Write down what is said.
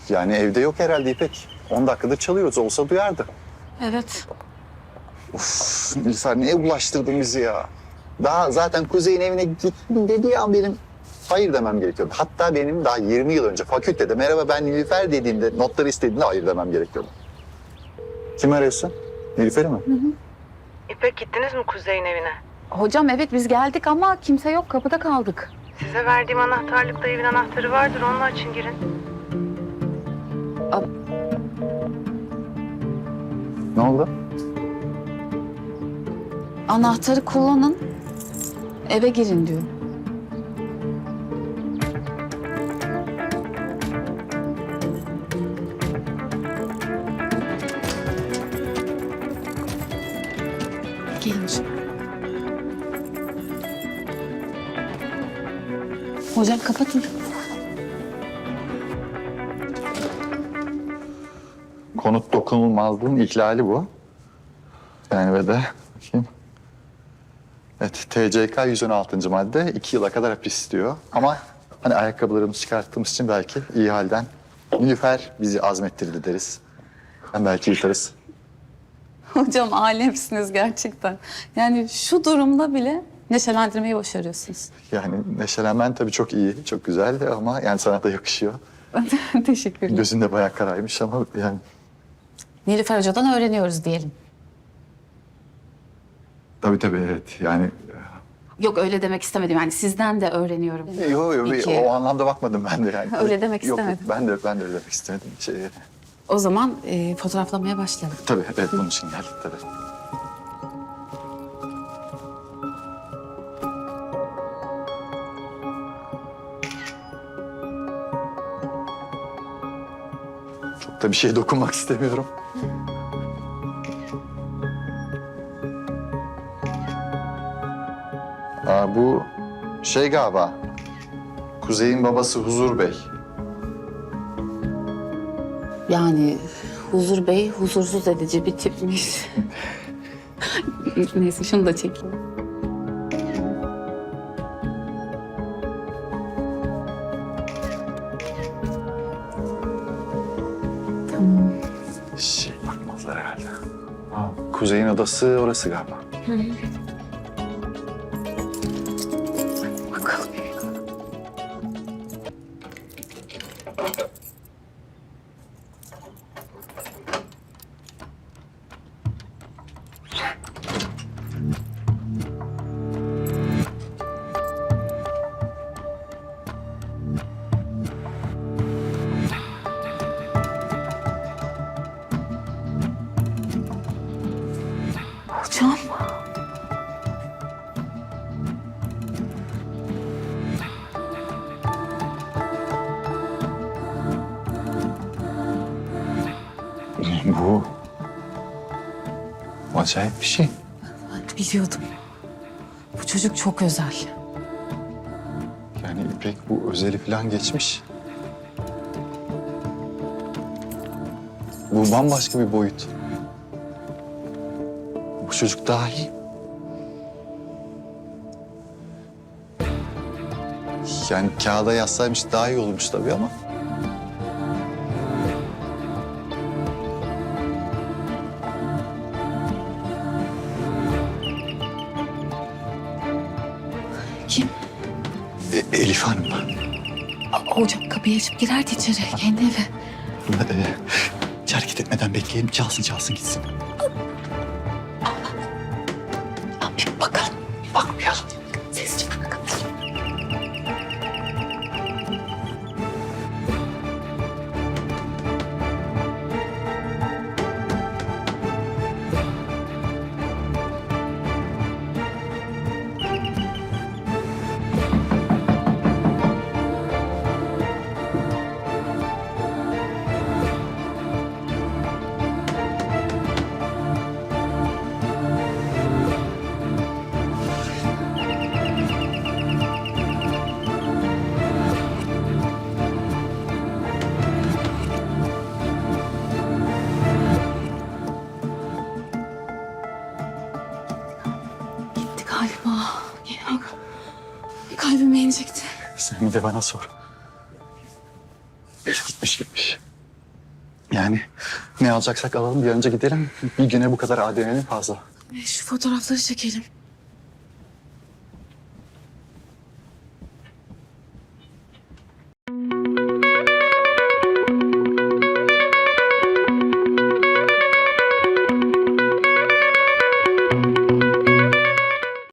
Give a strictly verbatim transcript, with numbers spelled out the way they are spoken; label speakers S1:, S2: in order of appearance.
S1: Yani evde yok herhalde İpek. On dakikadır çalıyoruz. Olsa duyardı.
S2: Evet.
S1: Uf, Nilüfer neye bulaştırdın bizi ya? Daha zaten Kuzey'in evine gittim dediği an benim hayır demem gerekiyordu. Hatta benim daha yirmi yıl önce fakültede merhaba ben Nilüfer dediğinde, notları istediğinde hayır demem gerekiyordu. Kim arıyorsun? Nilüfer'i mi? Hı hı.
S3: İpek gittiniz mi Kuzey'in evine?
S2: Hocam evet biz geldik ama kimse yok, kapıda kaldık.
S3: Size verdiğim anahtarlıkta evin anahtarı vardır. Onunla açın girin.
S1: Ne oldu?
S2: Anahtarı kullanın, eve girin diyor. Gelin hocam. Hocam kapatın.
S1: Konut dokunulmazlığın ihlali bu. Yani ve de bakayım. Evet, T C K yüz on altıncı madde iki yıla kadar hapis istiyor. Ama hani ayakkabılarımızı çıkarttığımız için belki iyi halden Nilüfer bizi azmettirdi deriz. Ben belki yırtarız.
S2: Hocam alemsiniz gerçekten. Yani şu durumda bile neşelendirmeyi başarıyorsunuz.
S1: Yani neşelenmen tabii çok iyi, çok güzel ama yani sana da yakışıyor.
S2: Teşekkürler.
S1: Gözün de bayağı karaymış ama yani
S2: Nilüfer Hoca'dan öğreniyoruz diyelim.
S1: tabii tabii evet yani.
S2: Yok öyle demek istemedim yani sizden de öğreniyorum.
S1: Yok yok
S2: İki.
S1: o anlamda bakmadım ben de yani.
S2: Öyle demek
S1: Yok,
S2: istemedim.
S1: ben de ben de öyle demek istemedim. Şey,
S2: O zaman e, fotoğraflamaya başlayalım.
S1: tabii evet bunun için geldik tabii. Çok da bir şeye dokunmak istemiyorum. Aa, bu şey galiba. Kuzey'in babası Huzur Bey.
S2: Yani Huzur Bey huzursuz edici bir tipmiş. Neyse şunu da çekeyim. Tamam.
S1: Şey bakmazlar herhalde. Kuzey'in odası orası galiba.
S2: Bakalım. Hocam.
S1: Bu acayip bir şey.
S2: Ben biliyordum. Bu çocuk çok özel.
S1: Yani İpek bu özeli falan geçmiş. Bu bambaşka bir boyut. Bu çocuk daha iyi. Yani kağıda yazsaymış daha iyi olmuş tabii ama.
S2: Kim?
S1: E, Elif Hanım.
S2: Aa, hocam kapıyı açıp girerdi içeri. Kendi evi.
S1: E, hiç hareket etmeden bekleyelim. Çalsın çalsın gitsin.
S2: Aa, bir bakalım. Bakmayalım. Sesçi bana kapatın. Galiba. Ya, kalbime inecekti.
S1: Sen bir de bana sor. Gitmiş gitmiş. Yani ne alacaksak alalım bir an önce gidelim. Bir güne bu kadar A D N'nin fazla.
S2: Şu fotoğrafları çekelim.